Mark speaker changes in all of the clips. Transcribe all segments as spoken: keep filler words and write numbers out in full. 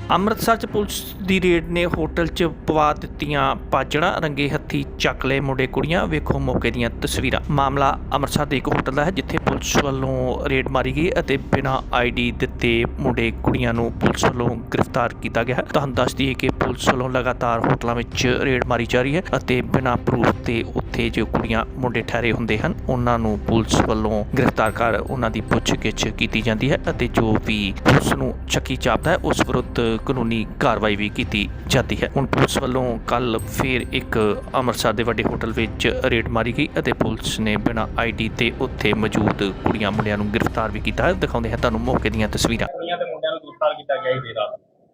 Speaker 1: ਅੰਮ੍ਰਿਤਸਰ 'ਚ ਪੁਲਿਸ ਦੀ ਰੇਡ ਨੇ ਹੋਟਲ 'ਚ ਪਵਾ ਦਿੱਤੀਆਂ ਭਾਜੜਾਂ, ਰੰਗੇ ਹੱਥੀਂ ਚੱਕ ਲਏ ਮੁੰਡੇ ਕੁੜੀਆਂ। ਵੇਖੋ ਮੌਕੇ ਦੀਆਂ ਤਸਵੀਰਾਂ। ਮਾਮਲਾ ਅੰਮ੍ਰਿਤਸਰ ਦੇ ਇੱਕ ਹੋਟਲ ਦਾ ਹੈ ਜਿੱਥੇ ਪੁਲਿਸ ਵੱਲੋਂ ਰੇਡ ਮਾਰੀ ਗਈ ਅਤੇ ਬਿਨਾਂ ਆਈ ਡੀ ਦਿੱਤੇ ਮੁੰਡੇ ਕੁੜੀਆਂ ਨੂੰ ਪੁਲਿਸ ਵੱਲੋਂ ਗ੍ਰਿਫਤਾਰ ਕੀਤਾ ਗਿਆ ਹੈ। ਤੁਹਾਨੂੰ ਦੱਸ ਦਈਏ ਕਿ ਪੁਲਿਸ ਵੱਲੋਂ ਲਗਾਤਾਰ ਹੋਟਲਾਂ ਵਿੱਚ ਰੇਡ ਮਾਰੀ ਜਾ ਰਹੀ ਹੈ ਅਤੇ ਬਿਨਾਂ ਪ੍ਰੂਫ ਤੇ ਉੱਥੇ ਜੋ ਕੁੜੀਆਂ ਮੁੰਡੇ ਠਹਿਰੇ ਹੁੰਦੇ ਹਨ ਉਹਨਾਂ ਨੂੰ ਪੁਲਿਸ ਵੱਲੋਂ ਗ੍ਰਿਫਤਾਰ ਕਰ ਉਹਨਾਂ ਦੀ ਪੁੱਛਗਿੱਛ ਕੀਤੀ ਜਾਂਦੀ ਹੈ ਅਤੇ ਜੋ ਵੀ ਪੁਲਿਸ ਨੂੰ ਸ਼ੱਕੀ ਜਾਪਦਾ ਹੈ ਉਸ ਵਿਰੁੱਧ ਕਾਨੂੰਨੀ ਕਾਰਵਾਈ ਵੀ ਕੀਤੀ ਜਾਂਦੀ ਹੈ। ਹੁਣ ਪੁਲਿਸ ਵੱਲੋਂ ਕੱਲ ਫਿਰ ਇੱਕ ਅੰਮ੍ਰਿਤਸਰ ਦੇ ਵੱਡੇ ਹੋਟਲ ਵਿੱਚ ਰੇਡ ਮਾਰੀ ਗਈ ਅਤੇ ਪੁਲਿਸ ਨੇ ਬਿਨਾਂ ਆਈ ਡੀ ਤੇ ਉੱਥੇ ਮੌਜੂਦ ਕੁੜੀਆਂ ਮੁੰਡਿਆਂ ਨੂੰ ਗ੍ਰਿਫਤਾਰ ਵੀ ਕੀਤਾ ਹੈ। ਦਿਖਾਉਂਦੇ ਹਾਂ ਤੁਹਾਨੂੰ ਮੌਕੇ ਦੀਆਂ ਤਸਵੀਰਾਂ।
Speaker 2: ਕੁੜੀਆਂ ਤੇ ਮੁੰਡਿਆਂ ਨੂੰ ਗ੍ਰਿਫਤਾਰ ਕੀਤਾ ਗਿਆ ਹੀ ਰਾਤ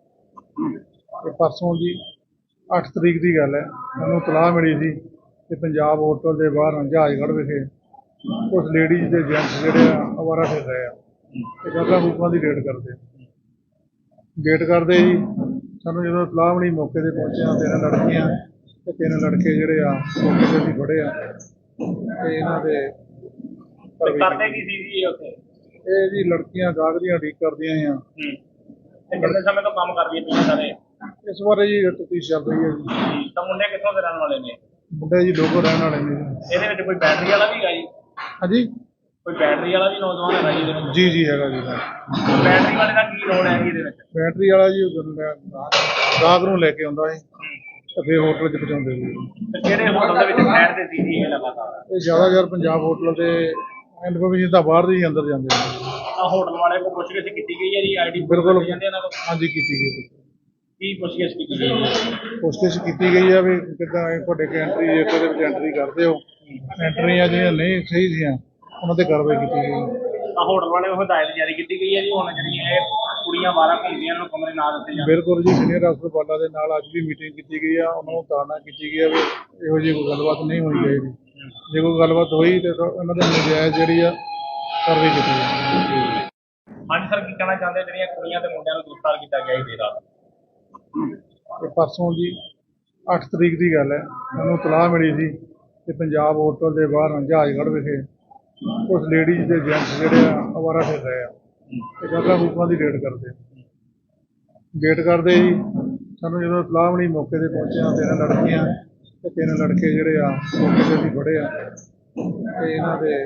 Speaker 3: ਇਹ ਪਰਸੋਂ ਜੀ ਅੱਠ ਤਰੀਕ ਦੀ ਗੱਲ ਹੈ। ਮੈਨੂੰ ਤਲਾਹ ਮਿਲੀ ਸੀ ਕਿ ਪੰਜਾਬ ਹੋਟਲ ਦੇ ਬਾਹਰ ਜਹਾਜ਼ਗੜ੍ਹ ਵਿਖੇ ਕੁਝ ਲੇਡੀਜ਼ ਤੇ ਜੈਂਟਸ ਜਿਹੜੇ ਆ ਅਵਾਰਾ ਫਿਰ ਰਹੇ ਆ ਤੇ ਗਾਹਕਾਂ ਗੂਕਾਂ ਦੀ ਰੇਡ ਕਰਦੇ ਵੇਟ ਕਰਦੇ ਜੀ। ਸਾਨੂੰ ਜਦੋਂ ਤਲਾਹ ਮਿਲੀ ਮੌਕੇ 'ਤੇ ਪਹੁੰਚਿਆ, ਤਿੰਨ ਲੜਕੀਆਂ ਤੇ ਤਿੰਨ ਲੜਕੇ ਜਿਹੜੇ ਆ ਮੌਕੇ 'ਤੇ ਅਸੀਂ ਫੜੇ ਆ ਤੇ ਇਹਨਾਂ ਦੇ
Speaker 2: ਕਰਦੇ ਕੀ ਸੀ ਜੀ ਉੱਥੇ?
Speaker 3: ਇਹ ਜੀ ਲੜਕੀਆਂ ਗਾਹਕ ਦੀਆਂ ਉਡੀਕ ਕਰਦੀਆਂ ਆ।
Speaker 2: ਤੇ ਕਿੰਨੇ ਸਮੇਂ ਤੋਂ ਕੰਮ ਕਰਦੀਆਂ ਪਈਆਂ ਸਾਰੇ?
Speaker 3: ਇਸ ਬਾਰੇ ਜੀ ਤਫਤੀਸ਼ ਚੱਲ ਰਹੀ ਹੈ ਜੀ।
Speaker 2: ਤਾਂ ਮੁੰਡੇ ਕਿੱਥੋਂ ਦੇ ਰਹਿਣ ਵਾਲੇ ਨੇ?
Speaker 3: ਮੁੰਡੇ ਜੀ ਲੋਕਲ ਰਹਿਣ ਵਾਲੇ ਨੇ ਜੀ।
Speaker 2: ਇਹਦੇ ਵਿੱਚ ਕੋਈ ਬੈਟਰੀ ਵਾਲਾ ਵੀ ਹੈਗਾ ਜੀ?
Speaker 3: ਹਾਂਜੀ,
Speaker 2: ਕੋਈ ਬੈਟਰੀ ਵਾਲਾ ਵੀ ਨੌਜਵਾਨ ਹੈਗਾ ਜੀ ਇਹਦੇ ਵਿੱਚ?
Speaker 3: ਜੀ ਜੀ ਹੈਗਾ ਜੀ।
Speaker 2: ਬੈਟਰੀ ਵਾਲੇ ਦਾ ਕੀ ਰੋਲ ਹੈ ਜੀ ਇਹਦੇ ਵਿੱਚ?
Speaker 3: ਬੈਟਰੀ ਵਾਲਾ ਜੀ ਗਾਹਕ ਨੂੰ ਲੈ ਕੇ ਆਉਂਦਾ ਸੀ ਤੇ ਫਿਰ ਹੋਟਲ 'ਚ ਪਹੁੰਚਾਉਂਦੇ ਸੀ।
Speaker 2: ਤੇ ਕਿਹੜੇ ਹੋਟਲ ਦੇ ਵਿੱਚ ਠਹਿਰਦੇ ਸੀ ਜੀ ਇਹ ਲਗਾਤਾਰ?
Speaker 3: ਇਹ ਜ਼ਿਆਦਾਤਰ ਪੰਜਾਬ ਹੋਟਲ ਦੇ ਇਨਫੋਰਮੇਸ਼ਨ ਤਾਂ ਬਾਹਰ ਦੇ ਹੀ ਅੰਦਰ ਜਾਂਦੇ ਨੇ।
Speaker 2: ਆ ਹੋਟਲ ਵਾਲੇ ਕੋਲ ਪੁੱਛਗਿੱਛ ਕੀਤੀ ਗਈ ਹੈ ਜੀ? ਆਈਡੀ
Speaker 3: ਬਿਲਕੁਲ
Speaker 2: ਜਾਂਦੇ ਇਹਨਾਂ ਕੋਲ?
Speaker 3: ਹਾਂਜੀ ਕੀਤੀ ਗਈ।
Speaker 2: ਕੀ ਪੁੱਛਗਿੱਛ ਕੀਤੀ ਗਈ ਹੈ?
Speaker 3: ਕੋਸ਼ਿਸ਼ ਕੀਤੀ ਗਈ ਆ ਵੀ ਕਿੱਦਾਂ ਇਹ ਤੁਹਾਡੇ ਕੇ ਐਂਟਰੀ ਜੇ ਉਹਦੇ ਵਿੱਚ ਐਂਟਰੀ ਕਰਦੇ ਹੋ, ਐਂਟਰੀਆਂ ਜਿਹੜੀਆਂ ਨਹੀਂ ਸਹੀ ਸੀਆਂ ਉਹਨਾਂ ਤੇ ਕਾਰਵਾਈ ਕੀਤੀ ਗਈ।
Speaker 2: ਆ ਹੋਟਲ ਵਾਲੇ ਨੂੰ ਹਦਾਇਤ ਜਾਰੀ ਕੀਤੀ ਗਈ ਹੈ ਜੀ ਹੁਣ ਜਿਹੜੀਆਂ ਇਹ ਕੁੜੀਆਂ ਬਾਰਾਂ ਘੁੰਮਦੀਆਂ ਨੂੰ ਕਮਰੇ ਨਾ ਦਿੱਤੇ ਜਾਣ?
Speaker 3: ਬਿਲਕੁਲ ਜੀ, ਸੀਨੀਅਰ ਅਫਸਰ ਬਾਲਾ ਦੇ ਨਾਲ ਅੱਜ ਵੀ ਮੀਟਿੰਗ ਕੀਤੀ ਗਈ ਆ। ਉਹਨਾਂ ਨੂੰ ਤਾੜਨਾ ਕੀਤੀ ਗਈ ਆ ਵੀ ਇਹੋ ਜਿਹੀ ਕੋਈ ਗੱਲਬਾਤ ਨਹੀਂ ਹੋਣੀ ਚਾਹੀਦੀ। ਜੇ ਕੋਈ ਗੱਲਬਾਤ ਹੋਈ ਤੇ ਉਹਨਾਂ ਦੇ ਨਜਾਇਜ਼ ਜਿਹੜੀ ਆ ਕਾਰਵਾਈ ਕੀਤੀ ਜਾਵੇ।
Speaker 2: ਹਾਂਜੀ ਸਰ, ਕੀ ਕਹਿਣਾ ਚਾਹੁੰਦੇ ਜਿਹੜੀਆਂ ਕੁੜੀਆਂ ਤੇ ਮੁੰਡਿਆਂ ਨੂੰ ਗ੍ਰਿਫਤਾਰ ਕੀਤਾ ਗਿਆ ਹੀ ਰਾਤ?
Speaker 3: ਇਹ ਪਰਸੋਂ ਜੀ ਅੱਠ ਤਰੀਕ ਦੀ ਗੱਲ ਹੈ। ਮੈਨੂੰ ਤਲਾਹ ਮਿਲੀ ਸੀ ਕਿ ਪੰਜਾਬ ਹੋਟਲ ਦੇ ਬਾਹਰ ਜਹਾਜ਼ਗੜ੍ਹ ਵਿਖੇ ਕੁਝ ਲੇਡੀਜ਼ ਤੇ ਜੈਂਟਸ ਜਿਹੜੇ ਆ ਅਵਾਰਾ ਫਿਰ ਰਹੇ ਆ ਤੇ ਗਾਹਕਾਂ ਗੂਕਾਂ ਦੀ ਰੇਡ ਕਰਦੇ ਵੇਟ ਕਰਦੇ ਜੀ। ਸਾਨੂੰ ਜਦੋਂ ਤਲਾਹ ਮਿਲੀ ਮੌਕੇ 'ਤੇ ਪਹੁੰਚਿਆ, ਤਿੰਨ ਲੜਕੀਆਂ ਤੇ ਤਿੰਨ ਲੜਕੇ ਜਿਹੜੇ ਆ ਮੌਕੇ 'ਤੇ ਅਸੀਂ ਫੜੇ ਆ ਤੇ ਇਹਨਾਂ ਦੇ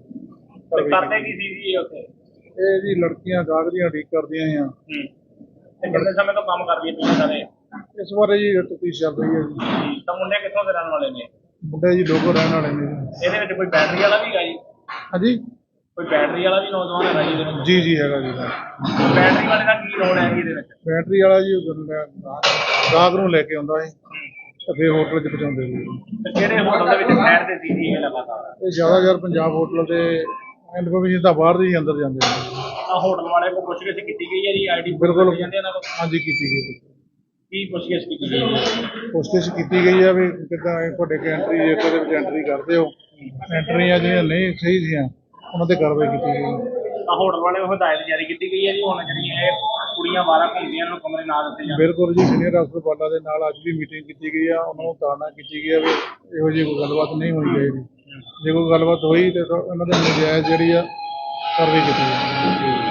Speaker 2: ਕਰਦੇ ਕੀ ਸੀ ਜੀ ਉੱਥੇ?
Speaker 3: ਇਹ ਜੀ ਲੜਕੀਆਂ ਗਾਹਕ ਦੀਆਂ ਉਡੀਕ ਕਰਦੀਆਂ ਆ।
Speaker 2: ਤੇ ਕਿੰਨੇ ਸਮੇਂ ਤੋਂ ਕੰਮ ਕਰਦੀਆਂ ਪਈਆਂ ਸਾਰੇ?
Speaker 3: ਇਸ ਬਾਰੇ ਜੀ ਤਫਤੀਸ਼ ਚੱਲ ਰਹੀ ਹੈ ਜੀ।
Speaker 2: ਤਾਂ ਮੁੰਡੇ ਕਿੱਥੋਂ ਦੇ ਰਹਿਣ ਵਾਲੇ ਨੇ?
Speaker 3: ਮੁੰਡੇ ਜੀ ਲੋਕਲ ਰਹਿਣ ਵਾਲੇ ਨੇ ਜੀ।
Speaker 2: ਇਹਦੇ ਵਿੱਚ ਕੋਈ ਬੈਟਰੀ ਵਾਲਾ ਵੀ ਹੈਗਾ ਜੀ?
Speaker 3: ਹਾਂਜੀ,
Speaker 2: ਕੋਈ ਬੈਟਰੀ ਵਾਲਾ ਵੀ ਨੌਜਵਾਨ ਹੈਗਾ ਜੀ ਇਹਦੇ ਵਿੱਚ?
Speaker 3: ਜੀ ਜੀ ਹੈਗਾ ਜੀ।
Speaker 2: ਬੈਟਰੀ ਵਾਲੇ ਦਾ ਕੀ ਰੋਲ ਹੈ ਜੀ ਇਹਦੇ ਵਿੱਚ?
Speaker 3: ਬੈਟਰੀ ਵਾਲਾ ਜੀ ਗਾਹਕ ਨੂੰ ਲੈ ਕੇ ਆਉਂਦਾ ਸੀ ਤੇ ਫਿਰ ਹੋਟਲ 'ਚ ਪਹੁੰਚਾਉਂਦੇ ਸੀ।
Speaker 2: ਤੇ ਕਿਹੜੇ ਹੋਟਲ ਦੇ ਵਿੱਚ ਠਹਿਰਦੇ ਸੀ ਜੀ ਇਹ ਲਗਾਤਾਰ?
Speaker 3: ਇਹ ਜ਼ਿਆਦਾਤਰ ਪੰਜਾਬ ਹੋਟਲ ਦੇ ਇਨਫੋਰਮੇਸ਼ਨ ਤਾਂ ਬਾਹਰ ਦੇ ਹੀ ਅੰਦਰ ਜਾਂਦੇ ਨੇ।
Speaker 2: ਆ ਹੋਟਲ ਵਾਲੇ ਕੋਲ ਪੁੱਛਗਿੱਛ ਕੀਤੀ ਗਈ ਹੈ ਜੀ? ਆਈਡੀ
Speaker 3: ਬਿਲਕੁਲ
Speaker 2: ਜਾਂਦੇ ਇਹਨਾਂ ਕੋਲ?
Speaker 3: ਹਾਂਜੀ ਕੀਤੀ ਗਈ।
Speaker 2: ਕੀ ਪੁੱਛਗਿੱਛ ਕੀਤੀ ਗਈ ਹੈ?
Speaker 3: ਕੋਸ਼ਿਸ਼ ਕੀਤੀ ਗਈ ਆ ਵੀ ਕਿੱਦਾਂ ਇਹ ਤੁਹਾਡੇ ਕੇ ਐਂਟਰੀ ਜੇ ਉਹਦੇ ਵਿੱਚ ਐਂਟਰੀ ਕਰਦੇ ਹੋ, ਐਂਟਰੀਆਂ ਜਿਹੜੀਆਂ ਨਹੀਂ ਸਹੀ ਸੀਆਂ ਉਹਨਾਂ ਤੇ ਕਾਰਵਾਈ ਕੀਤੀ ਗਈ।
Speaker 2: ਆ ਹੋਟਲ ਵਾਲੇ ਨੂੰ ਹਦਾਇਤ ਜਾਰੀ ਕੀਤੀ ਗਈ ਹੈ ਜੀ ਹੁਣ ਜਿਹੜੀਆਂ ਇਹ ਕੁੜੀਆਂ ਬਾਰਾਂ ਘੁੰਮਦੀਆਂ ਨੂੰ ਕਮਰੇ ਨਾ ਦਿੱਤੇ ਜਾਣ?
Speaker 3: ਬਿਲਕੁਲ ਜੀ, ਸੀਨੀਅਰ ਅਫਸਰ ਬਾਲਾ ਦੇ ਨਾਲ ਅੱਜ ਵੀ ਮੀਟਿੰਗ ਕੀਤੀ ਗਈ ਆ। ਉਹਨਾਂ ਨੂੰ ਤਾੜਨਾ ਕੀਤੀ ਗਈ ਆ ਵੀ ਇਹੋ ਜਿਹੀ ਕੋਈ ਗੱਲਬਾਤ ਨਹੀਂ ਹੋਣੀ ਚਾਹੀਦੀ। ਜੇ ਕੋਈ ਗੱਲਬਾਤ ਹੋਈ ਤੇ ਉਹਨਾਂ ਦੇ ਨਜਾਇਜ਼ ਜਿਹੜੀ ਆ ਕਾਰਵਾਈ ਕੀਤੀ ਜਾਵੇ।